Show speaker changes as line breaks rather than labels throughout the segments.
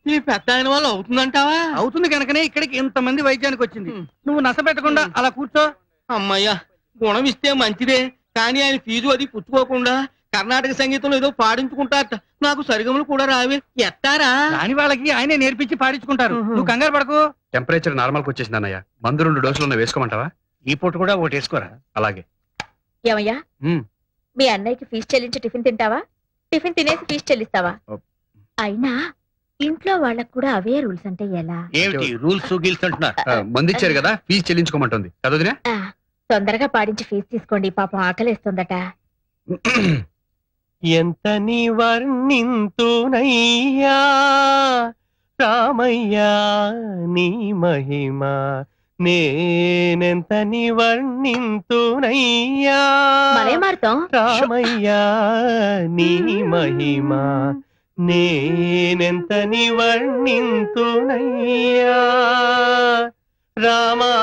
ఈ పెద్ద ఆయన వల్ల అవుతుందంటావా?
అవుతుంది కనుకనే ఇక్కడికి ఇంతమంది వైద్యానికి వచ్చింది. నువ్వు నస పెట్టకుండా అలా కూర్చో.
అమ్మయ్యా, గుణం ఇస్తే మంచిదే, కానీ ఆయన ఫీజు అది పుచ్చుకోకుండా కర్ణాటక సంగీతంలో ఏదో పాడించుకుంటారట. నాకు సరిగములు కూడా రావే, ఎత్తారా?
రాని వాళ్ళకి ఆయనే నేర్పించి పాడించుకుంటారు. నువ్వు కంగారు పడకు.
టెంపరేచర్ నార్మల్కి వచ్చేసింది అన్నయ్య. మందు 2 డోసులు వేసుకోమంటావా?
ఈ పూట కూడా ఒకటి వేసుకోరా.
అలాగే.
ఏమయ్యా, మీ అన్నయ్యకి ఫీజు చెల్లించి టిఫిన్ తింటావా, టిఫిన్ తినేసి ఫీజు చెల్లిస్తావా? అయినా ఇంట్లో వాళ్ళకు కూడా అవే రూల్స్ అంటే ఎలా?
ఏమిటి రూల్స్ గీల్స్ అంటున్నారు?
మందు ఇచ్చారు కదా, ఫీజు చెల్లించుకోమంటుంది చదువుదినా.
తొందరగా పాడించి ఫీజు తీసుకోండి, పాపం ఆకలేస్తుందట.
ఎంత నీ వర్ణింతునయ్యా రామయ్యా నీ మహిమ, నేనెంత నీ వర్ణింతునయ్యా
మరే మారుతాం.
రామయ్యా నీ మహిమ, నేనెంత నీ వర్ణింతునయ్యా రామా.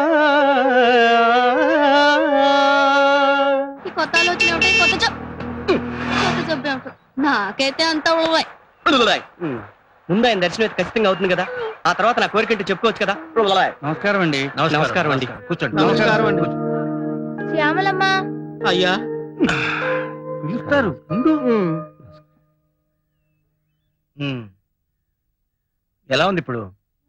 కొత్త ఆలోచన కొత్త జబ్బే ఉంటుంది. నాకైతే అంత
ముందు ఆయన దర్శనం అయితే ఖచ్చితంగా అవుతుంది కదా, ఆ తర్వాత నా కోరికంటే చెప్పుకోవచ్చు కదా.
నమస్కారం అండి.
నమస్కారం అండి.
కూర్చోండి.
నమస్కారం అండి.
శ్యామలమ్మ.
అయ్యా
పిలుస్తారు. ఎలా ఉంది ఇప్పుడు?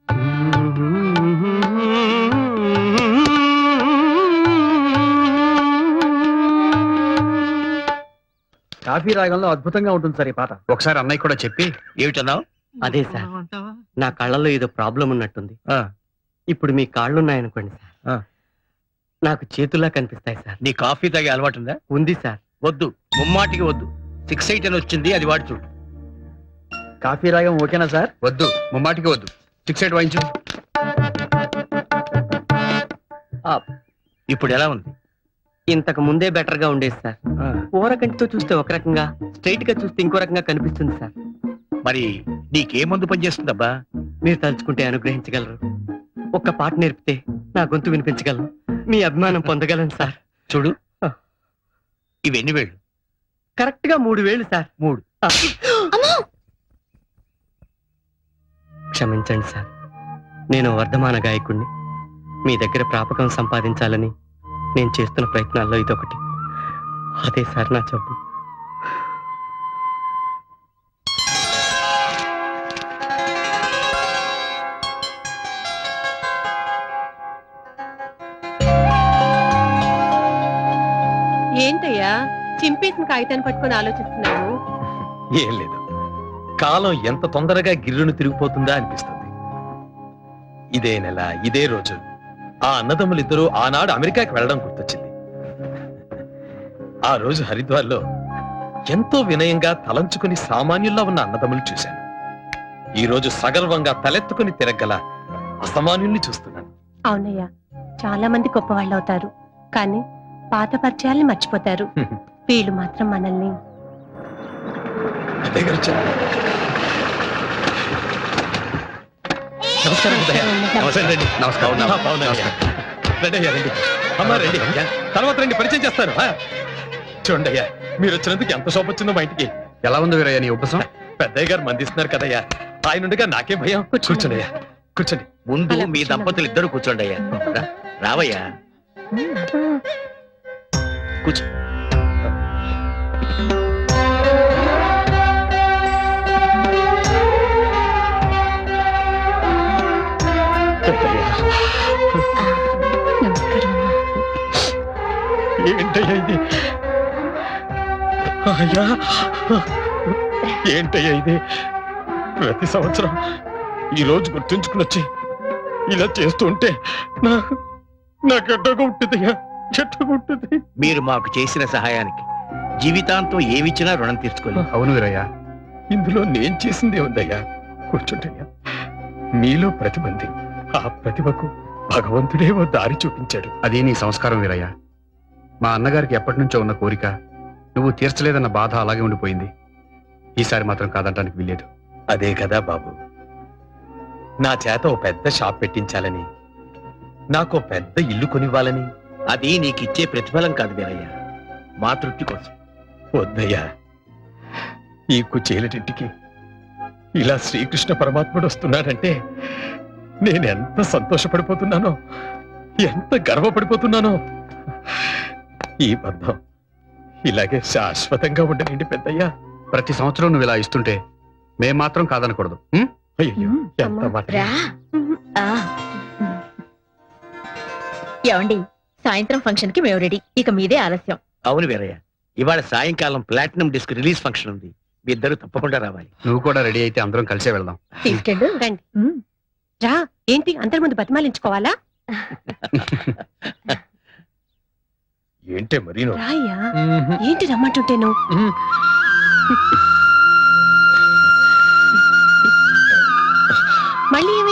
కాఫీ రాగంలో అద్భుతంగా ఉంటుంది సార్ ఈ పాట.
ఒకసారి అన్నయ్య కూడా చెప్పి.
ఏమిటన్నావు?
అదే సార్, నా కళ్ళల్లో ఏదో ప్రాబ్లం ఉన్నట్టుంది. ఇప్పుడు మీ కాళ్ళున్నాయనుకోండి సార్, నాకు చేతుల్లా కనిపిస్తాయి సార్.
నీ కాఫీ తాగే అలవాటు ఉందా?
ఉంది సార్.
వద్దు, ముమ్మాటికి వద్దు. 6-8 అని వచ్చింది, అది వాడి చూడు. కాఫీ రాగం ఓకేనా సార్?
వద్దు, ముమ్మాటికి వద్దు. 6-8 వాయించు.
ఇప్పుడు ఎలా ఉంది?
ఇంతకు ముందే బెటర్ గా ఉండేది సార్. ఓరకంటితో చూస్తే ఒక రకంగా, స్ట్రైట్ గా చూస్తే ఇంకో రకంగా కనిపిస్తుంది సార్.
మరి నీకే మందు పనిచేస్తుందబ్బా?
మీరు తలుచుకుంటే అనుగ్రహించగలరు. ఒక్క పాట నేర్పితే నా గొంతు వినిపించగలను, మీ అభిమానం పొందగలను సార్.
చూడు, ఇవెన్ని వేళ్ళు?
కరెక్ట్ గా 3 వేలు సార్.
3.
క్షమించండి సార్, నేను వర్ధమాన గాయకుణ్ణి. మీ దగ్గర ప్రాపకం సంపాదించాలని నేను చేస్తున్న ప్రయత్నాల్లో ఇదొకటి. అదే సార్ నా జబ్బు.
ఏంటయ్యా చింపేసిన కాగితాన్ని పట్టుకొని ఆలోచిస్తున్నావు?
ఏం లేదు, కాలం ఎంత తొందరగా గిర్రును తిరిగిపోతుందా అనిపిస్తుంది. ఇదే నెల ఇదే రోజు ఆ అన్నదమ్ములిద్దరూ ఆనాడు అమెరికాకి వెళ్ళడం గుర్తొచ్చింది. ఆ రోజు హరిద్వార్లో ఎంతో వినయంగా తలంచుకుని సామాన్యుల్లా ఉన్న అన్నదమ్ములు చూశాను. ఈ రోజు సగర్వంగా తలెత్తుకుని తిరగల అసామాన్యుల్ని చూస్తున్నాను.
అవునయ్యా, చాలా మంది గొప్ప వాళ్ళు అవుతారు, కానీ పాత పరిచయాల్ని మర్చిపోతారు. వీళ్ళు మాత్రం మనల్ని.
నమస్కారం.
నమస్కారం.
అమ్మా రండి, తర్వాత రండి, పరిచయం చేస్తాను. చూడండి అయ్యా, మీరు వచ్చినందుకు ఎంత శోభ వచ్చిందో మా ఇంటికి.
ఎలా ఉంది వీరయ్య నీ ఉపసం?
పెద్దయ్య గారు మందిస్తున్నారు కదయ్యా, ఆయన ఉండగా నాకేం భయం. కూర్చోండి అయ్యా, కూర్చోండి.
ముందు మీ దంపతులు ఇద్దరు కూర్చోండి అయ్యా. రావయ్యా, కూర్చో.
ఏంటయ్యా ఇది? అయ్యా, ఏంటయ్యా ఇది? ప్రతి సంవత్సరం ఈ రోజు గుర్తుంచుకుని వచ్చి ఇలా చేస్తూ ఉంటే నాకు ఎట్టగా ఉంటుందయ్యా, ఎట్టగా ఉంటుంది.
మీరు మాకు చేసిన సహాయానికి జీవితాంతం ఏమిచ్చినా రుణం తీర్చుకోలేదు.
అవును వీరయ్య,
ఇందులో నేను చేసిందే ఉందయ్యా. కూర్చుంటయ్యా. నీలో ప్రతిభ ఉంది, ఆ ప్రతిభకు భగవంతుడే ఓ దారి చూపించాడు.
అది నీ సంస్కారం వీరయ్య. మా అన్నగారికి ఎప్పటి నుంచో ఉన్న కోరిక నువ్వు తీర్చలేదన్న బాధ అలాగే ఉండిపోయింది. ఈసారి మాత్రం కాదంటానికి వీల్లేదు.
అదే కదా బాబు, నా చేత ఓ పెద్ద షాప్ పెట్టించాలని, నాకు పెద్ద ఇల్లు కొనివ్వాలని.
అది నీకిచ్చే ప్రతిఫలం కాదు వీరయ్య, మా తృప్తి కోసం.
వద్దయ్యా, ఈ కుచేలటింటికి ఇలా శ్రీకృష్ణ పరమాత్ముడు వస్తున్నాడంటే నేను ఎంత సంతోషపడిపోతున్నానో, ఎంత గర్వపడిపోతున్నానో. ఈ బంధం ఇలాగే శాశ్వతంగా ఉండనండి పెద్దయ్యా.
ప్రతి సంవత్సరం నువ్వు ఇలా ఇస్తుంటే మేం మాత్రం కాదనకూడదు. ఉం?
అయ్యో ఎంత మాట.
రా ఆ. ఏమండి, సాయంత్రం ఫంక్షన్ కి మేము రెడీ. ఇక మీదే ఆలస్యం.
అవును వీరయ్య, ఇవాళ సాయంకాలం ప్లాటినం డిస్క్ రిలీజ్ ఫంక్షన్ ఉంది. మీ ఇద్దరు తప్పకుండా రావాలి.
నువ్వు కూడా రెడీ అయితే అందరం కలిసే వెళ్దాం.
తీసుకెళ్ళు.
రండి.
ఉమ్.
రా, ఏంటి అందరి ముందు బతిమాలించుకోవాలా?
ఏంటే మరీను.
రాయ్యా, ఏంటి రమ్మంటుంటేను? మళ్ళీ